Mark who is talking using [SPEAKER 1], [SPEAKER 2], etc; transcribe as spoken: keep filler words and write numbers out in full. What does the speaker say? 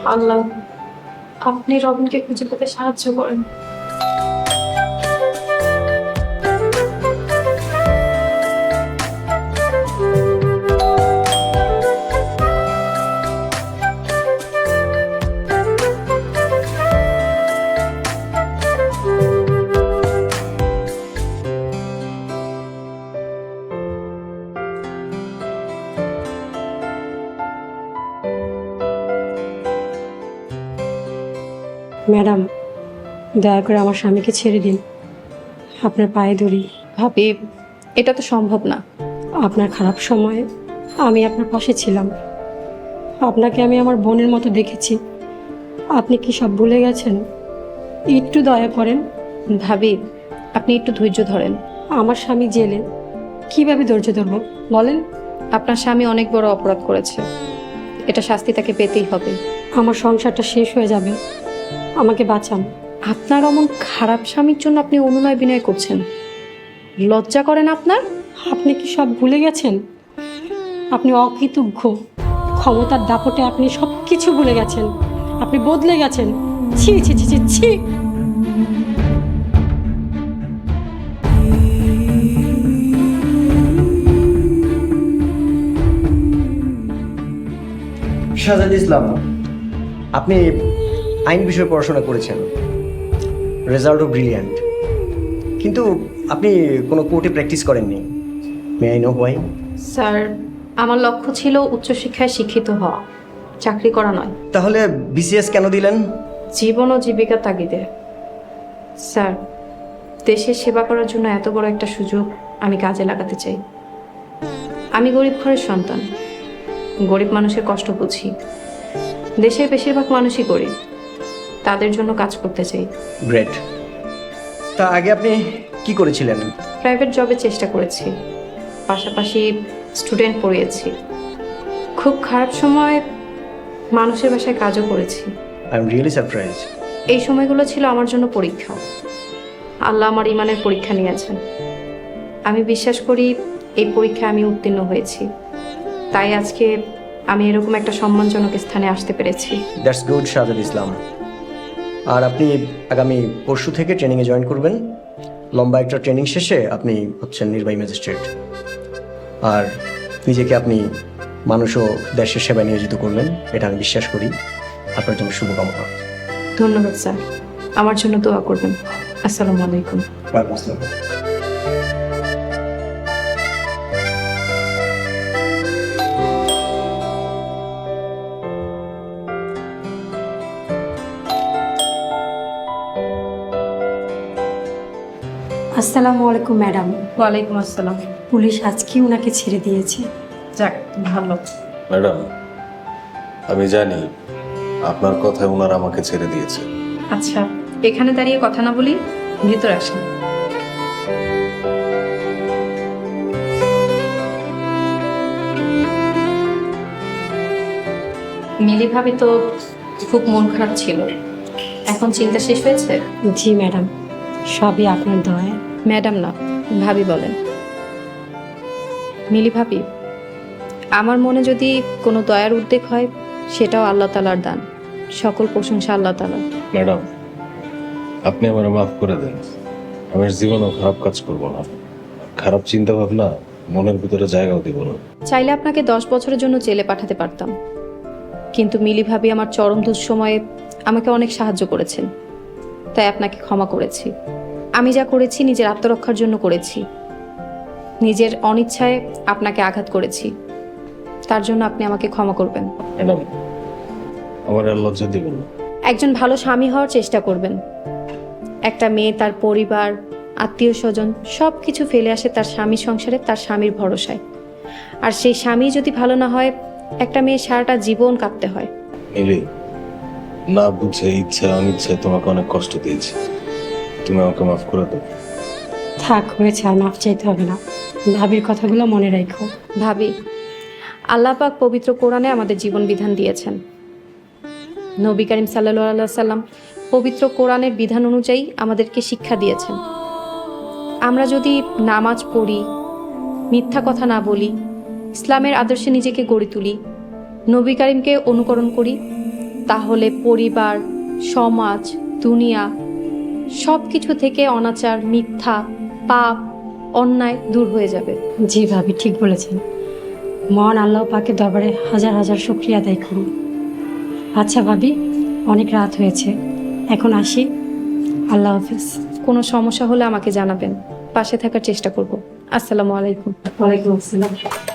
[SPEAKER 1] আল্লাহ আপনি রবিনকে খুঁজে পেতে সাহায্য করেন।
[SPEAKER 2] ম্যাডাম, দয়া করে আমার স্বামীকে ছেড়ে দিন, আপনার পায়ে ধরি।
[SPEAKER 1] ভাবি, এটা তো সম্ভব না।
[SPEAKER 2] আপনার খারাপ সময়ে আমি আপনার পাশে ছিলাম, আপনাকে আমি আমার বোনের মতো দেখেছি। আপনি কি সব ভুলে গেছেন? একটু দয়া করেন।
[SPEAKER 1] ভাবি, আপনি একটু ধৈর্য ধরেন।
[SPEAKER 2] আমার স্বামী জেলে, কিভাবে ধৈর্য ধরব বলেন?
[SPEAKER 1] আপনার স্বামী অনেক বড় অপরাধ করেছে, এটা শাস্তি তাকে পেতেই হবে।
[SPEAKER 2] আমার সংসারটা শেষ হয়ে যাবে, আমাকে বাঁচান।
[SPEAKER 1] আপনার অমন খারাপ স্বামীর জন্য আপনি অনুনয় বিনয় করছেন, লজ্জা করেন আপনার?
[SPEAKER 2] আপনি কি সব ভুলে গেছেন? আপনি অকৃতজ্ঞ, ক্ষমতার দাপটে আপনি সব কিছু ভুলে গেছেন, আপনি বদলে গেছেন। ছি ছি ছি ছি ছি।
[SPEAKER 3] শাহজাদ ইসলাম, আপনি আইন বিষয়ে পড়াশোনা করেছেন, রেজাল্টও ব্রিলিয়ান্ট, কিন্তু আপনি কোনো কোর্টে প্র্যাকটিস করেননি। May I know why?
[SPEAKER 1] Sir, আমার লক্ষ্য ছিল উচ্চশিক্ষায় শিক্ষিত হওয়া, চাকরি করা নয়।
[SPEAKER 3] তাহলে বিসিএস কেন দিলেন?
[SPEAKER 1] জীবন ও জীবিকার তাগিদে। স্যার, দেশের সেবা করার জন্য এত বড় একটা সুযোগ আমি কাজে লাগাতে চাই। আমি গরিব ঘরের সন্তান, গরিব মানুষের কষ্ট বুঝি। দেশের বেশিরভাগ মানুষই গরিব, তাদের জন্য কাজ করতে চাই।
[SPEAKER 3] গ্রেট। তা আগে আপনি কি করেছিলেন?
[SPEAKER 1] প্রাইভেট জবে চেষ্টা করেছি, পাশাপাশি স্টুডেন্ট পড়িয়েছি। খুব খারাপ সময় মানুষের বাসায় কাজও করেছি।
[SPEAKER 3] I am really surprise.
[SPEAKER 1] এই সময়গুলো ছিল আমার জন্য পরীক্ষা। আল্লাহ আমার ইমানের পরীক্ষা নিয়েছেন। আমি বিশ্বাস করি এই পরীক্ষায় আমি উত্তীর্ণ হয়েছি, তাই আজকে আমি এরকম একটা সম্মানজনক স্থানে আসতে পেরেছি।
[SPEAKER 3] That's good Shahzad Islam. আর আপনি আগামী পরশু থেকে ট্রেনিংয়ে জয়েন করবেন। লম্বা একটা ট্রেনিং শেষে আপনি হচ্ছেন নির্বাহী ম্যাজিস্ট্রেট। আর নিজেকে আপনি মানুষ ও দেশের সেবায় নিয়োজিত করবেন, এটা আমি বিশ্বাস করি। আপনার জন্য শুভকামনা।
[SPEAKER 1] ধন্যবাদ স্যার, আমার জন্য দোয়া করবেন। আসসালামু আলাইকুম।
[SPEAKER 2] আসসালামু আলাইকুম ম্যাডাম।
[SPEAKER 1] ওয়ালাইকুম আসসালাম।
[SPEAKER 2] পুলিশ আজকে ওনাকে ছেড়ে দিয়েছে।
[SPEAKER 1] যাক, ভালো।
[SPEAKER 4] ম্যাডাম, আমি জানি আপনার কথায় ওনারা আমাকে ছেড়ে দিয়েছে।
[SPEAKER 1] আচ্ছা, এখানে দাঁড়িয়ে কথা না বলি, ভিতরে আসেন। মিলি ভাবি তো খুব মন খারাপ ছিল, এখন চিন্তা শেষ হয়েছে?
[SPEAKER 2] জি ম্যাডাম, সবই আপনার দয়া।
[SPEAKER 1] ম্যাডাম না, ভাবি বলেন। মিলি ভাবি, আমার মনে যদি কোনো দয়ার উদ্বেগ হয়, সেটাও আল্লাহ তাআলার দান। সকল প্রশংসা আল্লাহ তাআলার।
[SPEAKER 4] ম্যাডাম, আপনি আমার মাফ করে দেন। আমি জীবনেও খারাপ কাজ করব না, খারাপ চিন্তা ভাবনা মনের ভিতরে জায়গাও দিব না।
[SPEAKER 1] চাইলে আপনাকে দশ বছরের জন্য জেলে পাঠাতে পারতাম, কিন্তু মিলি ভাবি আমার চরম দুঃসময়ে আমাকে অনেক সাহায্য করেছেন, তাই আপনাকে ক্ষমা করেছি। আমি যা করেছি নিজের আত্মরক্ষার জন্য করেছি, নিজের অনিচ্ছায় আপনাকে আঘাত করেছি, তার জন্য আপনি আমাকে ক্ষমা করবেন।
[SPEAKER 4] ম্যাডাম, আমার আর লজ্জা দিবেন না।
[SPEAKER 1] একজন ভালো স্বামী হওয়ার চেষ্টা করবেন। একটা মেয়ে তার পরিবার, আত্মীয় স্বজন সব কিছু ফেলে আসে তার স্বামীর সংসারে, তার স্বামীর ভরসায়। আর সেই স্বামী যদি ভালো না হয়, একটা মেয়ে সারাটা জীবন কাঁদতে হয়।
[SPEAKER 4] মিলি, না বুঝে ইচ্ছা অনিচ্ছায় তোমাকে অনেক কষ্ট দিয়েছি, তুমি আমাকে মাফ করে দাও।
[SPEAKER 2] থাক, হয়েছে, আর মাফ চাইতে হবে না। ভাবির কথাগুলো মনে রাখো।
[SPEAKER 1] ভাবি, আল্লাহ পাক পবিত্র কোরআনে আমাদের জীবন বিধান দিয়েছেন। নবী করিম সাল্লাল্লাহু আলাইহি সাল্লাম পবিত্র কোরআনের বিধান অনুযায়ী আমাদেরকে শিক্ষা দিয়েছেন। আমরা যদি নামাজ পড়ি, মিথ্যা কথা না বলি, ইসলামের আদর্শে নিজেকে গড়ে তুলি, নবী করিমকে অনুকরণ করি, তাহলে পরিবার, সমাজ, দুনিয়া সব কিছু থেকে অনাচার, মিথ্যা, পাপ, অন্যায় দূর হয়ে যাবে।
[SPEAKER 2] জি ভাবি, ঠিক বলেছেন। মহান আল্লাহ পাকের দরবারে হাজার হাজার শুকরিয়া আদায় করুন। আচ্ছা ভাবি, অনেক রাত হয়েছে, এখন আসি। আল্লাহ হাফিজ।
[SPEAKER 1] কোনো সমস্যা হলে আমাকে জানাবেন, পাশে থাকার চেষ্টা করব। আসসালামু আলাইকুম।
[SPEAKER 2] ওয়ালাইকুম আসসালাম।